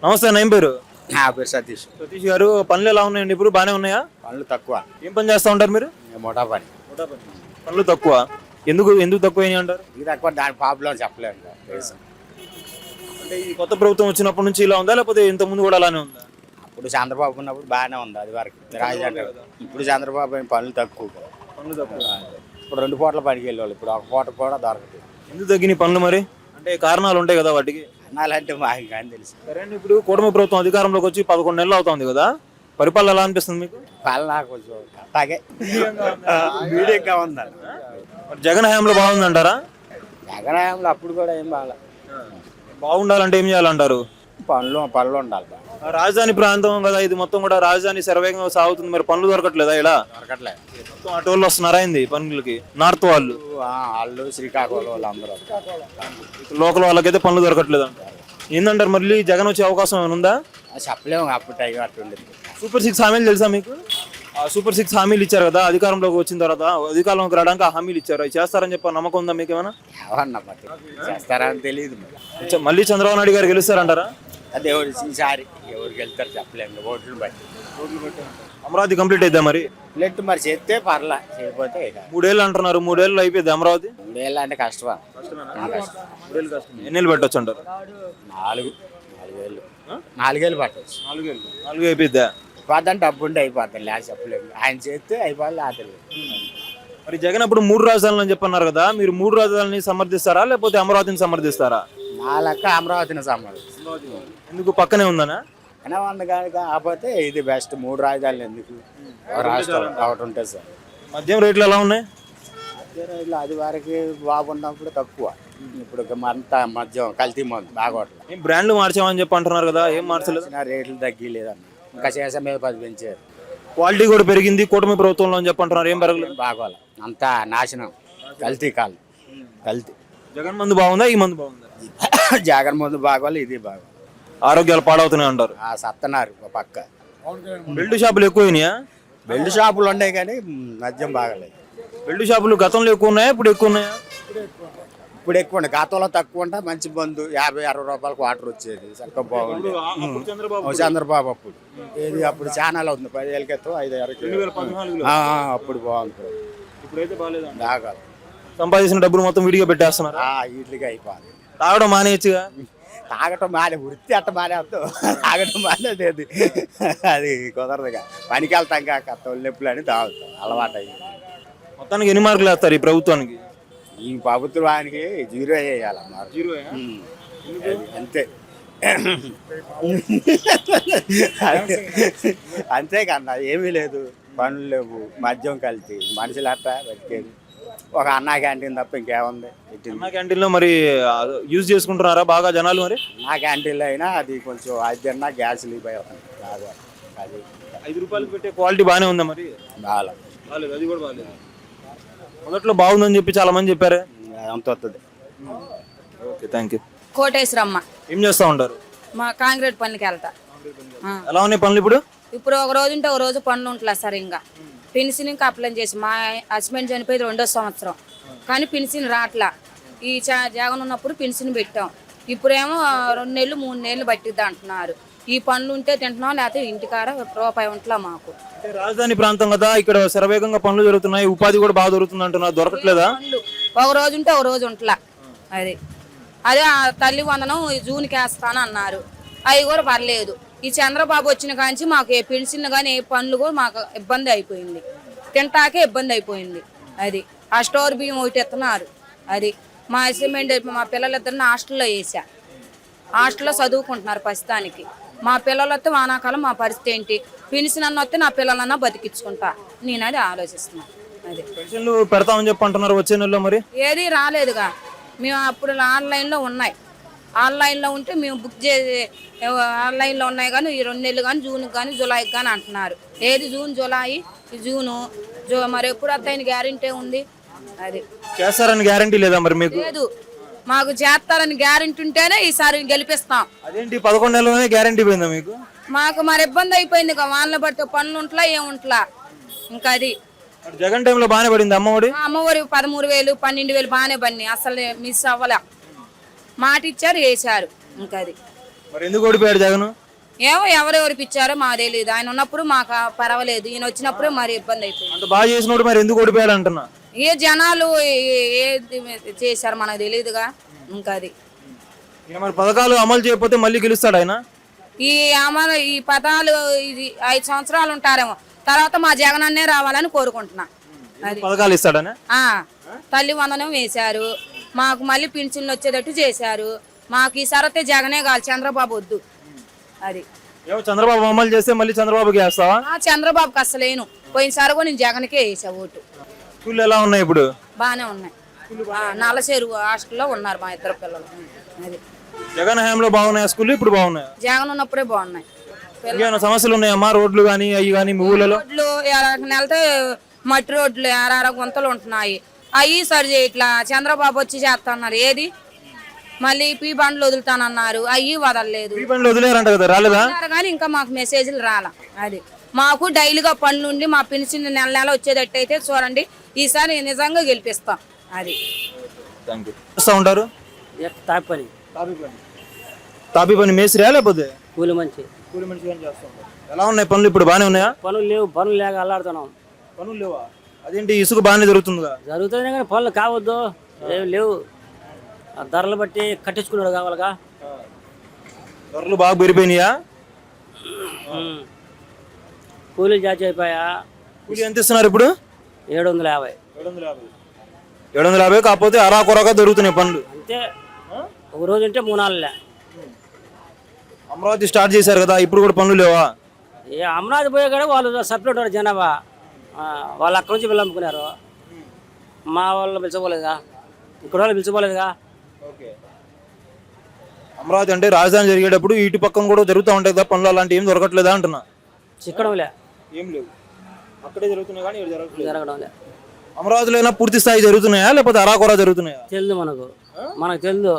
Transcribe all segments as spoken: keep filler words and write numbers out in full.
నమస్తే, ఏం పేరు? నా పేరు సతీష్. సతీష్ గారు, పనులు ఎలా ఉన్నాయండి? ఇప్పుడు బాగానే ఉన్నాయా? పనులు తక్కువ. ఏం పని చేస్తూ ఉంటారు మీరు? మోటా పని. పనులు తక్కువ. ఎందుకు ఎందుకు తక్కువ అయినాయి అంటారు? ఇది తక్కువ, దాని ప్రాబ్లం చెప్పలేము. అంటే ఈ కొత్త ప్రభుత్వం వచ్చినప్పటి నుంచి ఇలా ఉందా, లేకపోతే ఇంత ముందు కూడా అలానే ఉందా? అప్పుడు చంద్రబాబు ఉన్నప్పుడు బాగానే ఉంది, అది వరకు రాజధాని. ఇప్పుడు చంద్రబాబు ఏం పనులు తక్కువ. పనులు తక్కువ. ఇప్పుడు రెండు పూటల పనికి వెళ్ళేవాళ్ళు, ఇప్పుడు ఒక పూట కూడా దొరకదు. ఎందుకు తగ్గినాయి పనులు మరి? అంటే కారణాలు ఉంటాయి కదా వాటికి. అన్నాలంటే మాకు కానీ తెలుసు. సరే అండి, ఇప్పుడు కూటమి ప్రభుత్వం అధికారంలోకి వచ్చి పదకొండు నెలలు అవుతుంది కదా, పరిపాలన ఎలా అనిపిస్తుంది మీకు? పాలన కొంచెం అట్లాగే మీడియంగా ఉందండి. జగన్ హయాంలో బాగుందంటారా? జగన్ హయాంలో అప్పుడు కూడా ఏం బాగా. బాగుండాలంటే ఏం చేయాలంటారు? పనులు పనులు ఉండాలి. రాజధాని ప్రాంతం కదా ఇది, మొత్తం కూడా రాజధాని శరవేగంగా సాగుతుంది, మరి పనులు దొరకట్లేదా? ఇలా దొరకట్లేదు. మొత్తం అటోళ్ళు వస్తున్నారా అయింది పనులకి? నార్త్ వాళ్ళు వాళ్ళు శ్రీకాకుళం వాళ్ళు అందరూ. లోకల్ వాళ్ళకైతే పనులు దొరకట్లేదు అంటారు. ఏందంటారు, మళ్ళీ జగన్ వచ్చే అవకాశం ఏమైనా ఉందా? చెప్పలేము, అప్పుడు టైం అట్టుండేది. సూపర్ సిక్స్ హామీలు తెలుసా మీకు? ఆ సూపర్ సిక్స్ హామీలు ఇచ్చారు కదా అధికారంలోకి వచ్చిన తర్వాత, అధికారంలోకి రావడానికి ఆ హామీలు ఇచ్చారు, అవి చేస్తారని చెప్పి నమ్మకం ఉందా మీకు ఏమైనా? ఎవరన్నా చేస్తారా అని తెలియదు. మళ్ళీ చంద్రబాబు నాయుడు గారు గెలుస్తారంటారా? అదే ఈసారి ఎవరికి వెళ్తారు చెప్పలేము, ఓట్లు బట్టి. అమరావతి కంప్లీట్ అయిద్దా మరి? ప్లెట్ మరి చేస్తే పర్లా, చేయకపోతే మూడేళ్ళు అంటున్నారు, మూడేళ్ళు అయిపోయింది అమరావతి. మూడేళ్ళు అంటే కష్టమా? ఎన్నేళ్ళు పెట్టచ్చు అంటారు? నాలుగు నాలుగేళ్ళు నాలుగేళ్ళు పట్టవచ్చు. నాలుగేళ్ళు నాలుగు అయిపోయిద్దా? పోద్దని డబ్బు ఉంటే అయిపోతాయి, లేదు చెప్పలేము. ఆయన చేస్తే అయిపోవాలి, ఆటలు. మరి జగన్ అప్పుడు మూడు రాజధానులు అని చెప్పన్నారు కదా, మీరు మూడు రాజధానులని సమర్థిస్తారా లేకపోతే అమరావతిని సమర్థిస్తారా? నా లెక్క అమరావతిని సంబంధం. ఎందుకు, పక్కనే ఉందనా? అయినా వంద కానీ కాకపోతే ఇది బెస్ట్. మూడు రాజధానులు ఎందుకు, రాష్ట్రాలు ఒకటి ఉంటుంది సార్. మద్యం రేట్లు ఎలా ఉన్నాయి? మధ్య రైలు అది వరకు బాగున్నప్పుడు తక్కువ, ఇప్పుడు అంతా మద్యం కల్తీ మందు బాగోట్లేదు. ఏం బ్రాండ్లు మార్చామని చెప్పి అంటున్నారు కదా, ఏం మార్చలేదు? రేట్లు తగ్గిలేదన్న, ఇంకా చేసే మీద పది పెంచారు. క్వాలిటీ కూడా పెరిగింది కూటమి ప్రభుత్వంలో అని చెప్పి అంటున్నారు, ఏం పెరగలేదు? బాగోలే, అంతా నాశనం, కల్తీ కాలు కల్తీ. జగన్ మందు బాగుందా, ఈ మందు బాగుందా? జగన్ మందు బాగోలే, ఇది బాగోలే. ఆరోగ్యాలు పాడవుతున్నాయి అంటారు. ఆ సత్తనారు పక్క. బెల్ట్ షాపులు ఎక్కువైనాయా? బెల్ట్ షాపులు ఉన్నాయి కానీ మద్యం బాగలేదు. బెల్ట్ షాపులు గతంలో ఎక్కువ ఉన్నాయా, ఇప్పుడు ఎక్కువ ఉన్నాయా? ఇప్పుడు ఎక్కువ ఉన్నాయి, గతంలో తక్కువ ఉంటా. మంచి మందు యాభై అరవై రూపాయలకు వాటర్ వచ్చేది, చక్కగా బాగుంది. చంద్రబాబు అప్పుడు ఏది అప్పుడు ఛానల్ అవుతుంది, పదివేల క్రితం ఐదు ఆరు అప్పుడు బాగుంటుంది. ఇప్పుడైతే బాగాలేదు, బాగా. సంపాదించిన డబ్బులు మొత్తం విడిగా పెట్టేస్తున్నారు. వీటికి అయిపోయింది. తాగడం మానేయచ్చుగా? తాగటం మానే, వృత్తి అట్ట మానేస్తాం, తాగటం మానేది అది అది కుదరదుగా. పనికి వెళ్తాం కాక తొలినొప్పులు అని తాగుతాం, అలవాటు అయ్యి. మొత్తానికి ఎన్ని మార్కులు వేస్తారు ఈ ప్రభుత్వానికి? ఈ ప్రభుత్వానికి జీరో వేయాలన్నారు. జీరో అంతే అంతే కన్నా ఏమీ లేదు. పనులు లేవు, మద్యం కలిసి మనుషులు అట్టా బతికేది. ఒక అన్నా క్యాంటీన్ తప్ప ఇంకేముంది? అన్నా క్యాంటీన్లో మరి యూజ్ చేసుకుంటున్నారా బాగా జనాలు? మరి అన్నా క్యాంటీన్లో అయినా అది కొంచెం అది అన్నా గ్యాస్ లీక్ అవుతుంది కాదు. అది ఐదు రూపాయలు పెట్టే క్వాలిటీ బాగానే ఉందా మరి? బాగా బాగాలేదు, అది కూడా బాగాలేదు. మొదట్లో బాగుందని చెప్పి చాలా మంది చెప్పారు, అంత వస్తుంది. Okay, thank you. కోటేశ్వరమ్మ. ఏం చేస్తూ ఉంటారు? మా కాంక్రీట్ పనికి వెళ్తా. ఎలా ఉన్నాయి పనులు ఇప్పుడు? ఇప్పుడు ఒక రోజు ఉంటే ఒక రోజు పనులు ఉంటలే సార్. ఇంకా పెన్షన్ ఇంకా అప్లై చేసి, మా హస్బెండ్ చనిపోయి రెండో సంవత్సరం కానీ పెన్షన్ రాట్లా. ఈ జగన్ ఉన్నప్పుడు పెన్షన్ పెట్టాం, ఇప్పుడేమో రెండు నెలలు మూడు నెలలు పట్టిద్దా అంటున్నారు. ఈ పనులు ఉంటే తింటున్నాం, లేకపోతే ఇంటికాడ రూపాయి ఉంటలా మాకు. రాజధాని ప్రాంతం కదా, ఇక్కడ శరవేగంగా పనులు జరుగుతున్నాయి, ఉపాధి కూడా బాగా దొరుకుతుంది అంటున్నారు, దొరకట్లేదా? ఒక రోజు ఉంటే ఒక రోజు ఉంటలా. అది అదే తల్లి వందనం జూన్కి వేస్తాను అన్నారు, అవి కూడా పర్లేదు. ఈ చంద్రబాబు వచ్చిన కాంచి మాకు ఏ పెన్షన్లు కానీ ఏ పనులు కూడా మాకు ఇబ్బంది అయిపోయింది, తింటాకే ఇబ్బంది అయిపోయింది. అది ఆ స్టోర్ బియ్యం ఒకటి ఎత్తున్నారు. అది మా అసైన్మెంట్ మా పిల్లలిద్దరిని హాస్టల్లో వేసా, హాస్టల్లో చదువుకుంటున్నారు ప్రస్తుతానికి. మా పిల్లలు వస్తే వానాకాలం మా పరిస్థితి ఏంటి? పెన్షన్ అన్న వస్తే నా పిల్లలన్నా బతికించుకుంటా, నేను అది ఆలోచిస్తున్నాను. అది పెన్షన్లు పెడతామని చెప్పి అంటున్నారు వచ్చే నెలలో, మరి ఏది రాలేదుగా. మేము అప్పుడు ఆన్లైన్లో ఉన్నాయి, ఆన్లైన్లో ఉంటే మేము బుక్ చేసి ఆన్లైన్లో ఉన్నాయి కానీ ఈ రెండు నెలలు కానీ జూన్కి కానీ జూలైకి కానీ అంటున్నారు. ఏది జూన్ జూలై జూను జూ మరి ఎప్పుడు వస్తాయని గ్యారెంటీ ఉంది? అది చేస్తారని గ్యారెంటీ లేదా మరి మీకు? లేదు, మాకు చేస్తారని గ్యారెంటీ ఉంటేనే ఈసారి గెలిపిస్తాం. అదేంటి పదకొండు నెలలోనే గ్యారెంటీ పోయిందా మీకు? మాకు మరి ఇబ్బంది అయిపోయింది, వాళ్ళని బట్టి పనులు ఉంటలా ఏముంటలా. ఇంకా అది జగన్ టైంలో బాగానే పడింది అమ్మఒడి. అమ్మఒడి పదమూడు వేలు పన్నెండు వేలు బాగానే పడినాయి, అసలు మిస్ అవ్వలే. మాట ఇచ్చారు, వేసారు. ఇంకా అది మరి ఎందుకు ఓడిపోయాడు జగన్? ఏమో ఎవరెవరు పిచ్చారో మాకు తెలియదు. ఆయన ఉన్నప్పుడు మాకు పర్వాలేదు, ఈయన వచ్చినప్పుడే మరి ఇబ్బంది అయిపోయింది. అంత బాగా చేసినోడు మరి ఎందుకు ఓడిపోయాడు అంటున్నా? ఏ జనాలు ఏ- ఏది చేశారు మనకు తెలియదుగా. ఇంకా అది ఈయన మరి పథకాలు అమలు చేయకపోతే మళ్ళీ గెలుస్తాడు ఆయన? ఈ అమలు ఈ పదాలు ఇది ఐదు సంవత్సరాలు ఉంటారేమో, తర్వాత మా జగన్ అన్నే రావాలని కోరుకుంటున్నా. అది పథకాలు ఇస్తాడనే? ఆ తల్లి వందనం వేశారు, మాకు మళ్ళీ పింఛన్లు వచ్చేటట్టు చేశారు. మాకు ఈసారి అయితే జగనే కాదు, చంద్రబాబు వద్దు. అది ఏమో చంద్రబాబు అమలు చేస్తే మళ్ళీ చంద్రబాబుకి వేస్తావా? ఆ చంద్రబాబుకి అసలేను. పోయినసారి కూడా నేను జగన్కే వేసా ఓటు. స్కూల్ ఎలా ఉన్నాయి ఇప్పుడు? బాగానే ఉన్నాయి. ఆ, నల్లచెరువు హాస్టల్లో ఉన్నారు మా ఇద్దరు పిల్లలు. అది జగన్ హయాంలో బాగున్నాయా స్కూల్? ఇప్పుడు బాగున్నాయా? జగన్ ఉన్నప్పుడే బాగున్నాయి. ఇంకేమైనా సమస్యలు ఉన్నాయమ్మా? రోడ్లు కానీ అవి కానీ మీ ఊళ్ళలో? రోడ్లు నెలతో మట్టి రోడ్లు ఆరార గుంతలు ఉంటున్నాయి, అవి సరి చేయట్లా. చంద్రబాబు వచ్చి చేస్తాన్నారు, ఏది మళ్ళీ పీ బండ్లు వదులుతానన్నారు, అవి వదలలేదు. ఈ బండ్లు వదిలేరంట కదా, రాలేదా? కానీ ఇంకా మాకు మెసేజ్లు రాలా. అది మాకు డైలీగా పనులు ఉండి మా పెన్షన్ నెల నెల వచ్చేటట్టు అయితే చూడండి, ఈసారి నిజంగా గెలిపిస్తాం. అది వస్తూ ఉంటారు తాపి పని, తాపీ పని మేసిరా లేకపోతే కూలి మంచి కూలి మనిషి కానీ చేస్తూ ఉంటారు. ఎలా ఉన్నాయి పనులు ఇప్పుడు? బాగానే ఉన్నాయా? పనులు లేవు, పనులు లేక అల్లాడుతున్నాం. పనులు లేవా? అదేంటి ఇసుక బాగానే జరుగుతుందిగా? జరుగుతుంది కానీ పనులు కావద్దు, ఏం లేవు. ఆ ధరలు బట్టి కట్టించుకున్నాడు కావాలిగా. ధరలు బాగా పెరిగిపోయినాయా? ఉమ్. కూలీలు జాచి అయిపోయా. కూలి ఎంత ఇస్తున్నారు ఇప్పుడు? ఏడు వందల యాభై ఏడు వందల యాభై ఏడు వందల యాభై కాకపోతే అరా కొరగా దొరుకుతున్నాయి పనులు. అంతే, ఒక రోజు ఉంటే మూడు నాలుగులే. అమరావతి స్టార్ట్ చేశారు కదా, ఇప్పుడు కూడా పనులు లేవా? ఏ అమరావతి పోయే కాడ వాళ్ళు సపరేట్ వారు జనాభా, ఆ, వాళ్ళు అక్కడి నుంచి వీళ్ళు అమ్ముకున్నారు. మా వాళ్ళు పిలిచిపోలేదుగా, ఇక్కడ వాళ్ళు పిలిచిపోలేదుగా. ఓకే. అమరావతి అంటే రాజధాని జరిగేటప్పుడు ఇటు పక్కన కూడా జరుగుతూ ఉంటాయి కదా పనులు, అలాంటి ఏం దొరకట్లేదా అంటున్నా? చిక్కడంలే, ఏం లేవు, అక్కడే జరుగుతున్నాయి కానీ ఇక్కడ జరగట్లేదు. జరగడంలే. అమరావతిలో అయినా పూర్తి స్థాయి జరుగుతున్నాయా లేకపోతే అరాకొరా జరుగుతున్నాయా? తెలుదు మనకు, మనకు తెలుదు.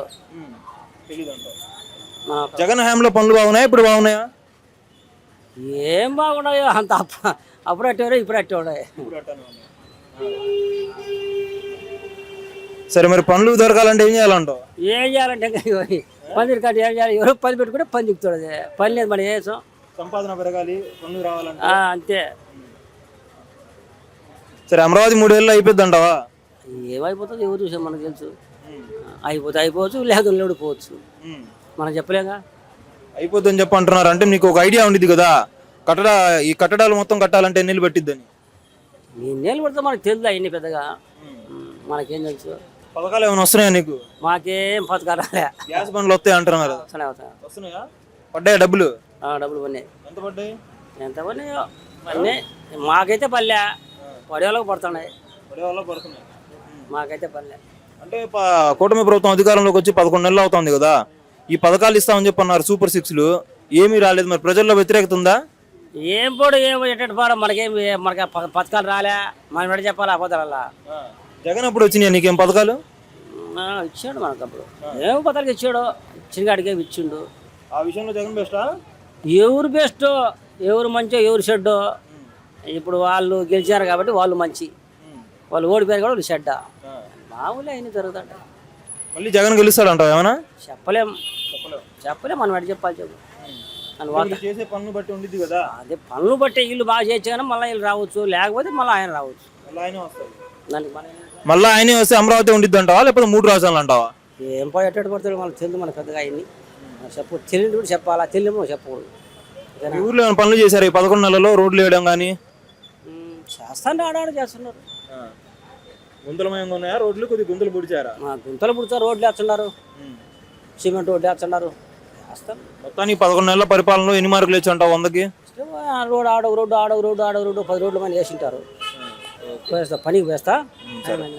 మన జగన్ హయాంలో పనులు బాగున్నాయా ఇప్పుడు బాగున్నాయా? ఏం బాగున్నాయో అంత అప్ప అప్పుడు అట్టేవారు, ఇప్పుడు అట్టేవాడు. సరే, మరి పనులు దొరకాలంటే ఏం చేయాలంటావు? ఏం చేయాలంటే పందిరి కట్టి ఏం చేయాలి? ఎవరో పని పెట్టుకుంటే పని చెప్తాడు. అది పని లేదు, మనం వేసాం. సంపాదన పెరగాలి, పనులు రావాలంటే. అంతే. సరే, అమరావతి మూడేళ్ళు అయిపోద్ది అంటావా? ఏమైపోతుంది ఎవరు చూసాం, మనకు తెలుసు. అయిపోతే అయిపోవచ్చు, లేదు లేడిపోవచ్చు, మనం చెప్పలేగా. అయిపోద్ది అని చెప్పి అంటున్నారు. అంటే నీకు ఒక ఐడియా ఉండిద్ది కదా, కట్టడ ఈ కట్టడాలు మొత్తం కట్టాలంటే ఎన్ని నెలలు పట్టిద్దని? నేను నీళ్ళు పడితే మనకు తెలుదా ఎన్ని పెద్దగా, మనకేం తెలుసు. పథకాలు ఏమైనా వస్తున్నాయా నీకు? మాకేం పథకాలు రాలే. గ్యాస్ బండ్లు వస్తాయి అంటున్నారు. వస్తున్నాయి, వస్తున్నాయి. వస్తున్నాయా? పడ్డాయా డబ్బులు? ఆ, డబ్బులు పడినాయి. ఎంత పడ్డాయి? ఎంత పడినాయో పడినాయి. మాకైతే పల్లె, పడేవాళ్ళకి పడుతున్నాయి. పడే వాళ్ళ పడుతున్నాయి. మాకైతే పల్లె. అంటే ప- కూటమి ప్రభుత్వం అధికారంలోకి వచ్చి పదకొండు నెలలు అవుతుంది కదా, ఈ పథకాలు ఇస్తామని చెప్పి అన్నారు, సూపర్ సిక్స్లు ఏమీ రాలేదు. మరి ప్రజల్లో వ్యతిరేకత ఉందా? ఏం పోడు ఏం ఎట్టటి పోవడం, మనకేం మనకి ప- పథకాలు రాలే, మనం ఎడ చెప్పాలి అబద్ధాలల్లా. జగన్ అప్పుడు వచ్చినాయి నీకేం పథకాలు? ఆ, ఇచ్చాడు మనకు అప్పుడు, ఏం పథకాలు ఇచ్చాడు, చిన్నగాడికి ఏమి ఇచ్చిండు. ఆ విషయంలో జగన్ బెస్టా? ఎవరు బెస్ట్, ఎవరు మంచో ఎవరు చెడ్డో, ఇప్పుడు వాళ్ళు గెలిచారు కాబట్టి వాళ్ళు మంచి, వాళ్ళు ఓడిపోయారు కాబట్టి వాళ్ళు చెడ్డ. మామూలే అయినా జరుగుతాడు. మళ్ళీ జగన్ గెలుస్తాడు అంటావు ఏమన్నా? చెప్పలేం, చెప్పలేం, మనం ఎడ చెప్పాలి చెప్పు. అని వాళ్ళు చేసే పనులు బట్టి ఉండిద్ది కదా. అదే పనులు బట్టి వీళ్ళు బాగా చేయొచ్చు కానీ మళ్ళీ వీళ్ళు రావచ్చు, లేకపోతే మళ్ళీ ఆయన రావచ్చు. దానికి మన మళ్ళీ ఆయనే వస్తే అమరావతి ఉండిద్ది అంటావా లేకపోతే మూడు రాజధానులు అంటావా? ఏం పోయి ఎట్టటి పడతాడు మనకు తెలియదు, మన పెద్దగా ఆయన్ని చెప్పు, తెలియదు కూడా చెప్పాలా, తెలియమో చెప్పకూడదు. ఈ ఊర్లో ఏమైనా పనులు చేశారు ఈ పదకొండు నెలల్లో? రోడ్లు వేయడం కానీ ఉమ్, చేస్తాను ఆడాడు చేస్తున్నారు. గుంతలమయంగా ఉన్నాయా రోడ్లు? కొద్ది గుంతలు పుడిచారా? మా గుంతలు పుడతారు, రోడ్లు వేస్తున్నారు, సిమెంట్ రోడ్లు వేస్తున్నారు, చేస్తాను. మొత్తానికి పదకొండు నెలల పరిపాలనలో ఎన్ని మార్కులు ఇచ్చి అంటావు వందకి? రోడ్ ఆడవు రోడ్డు ఆడవు రోడ్డు ఆడవు రోడ్డు పది రోడ్లు మంది వేసింటారు. వేస్తా పనికి వేస్తా.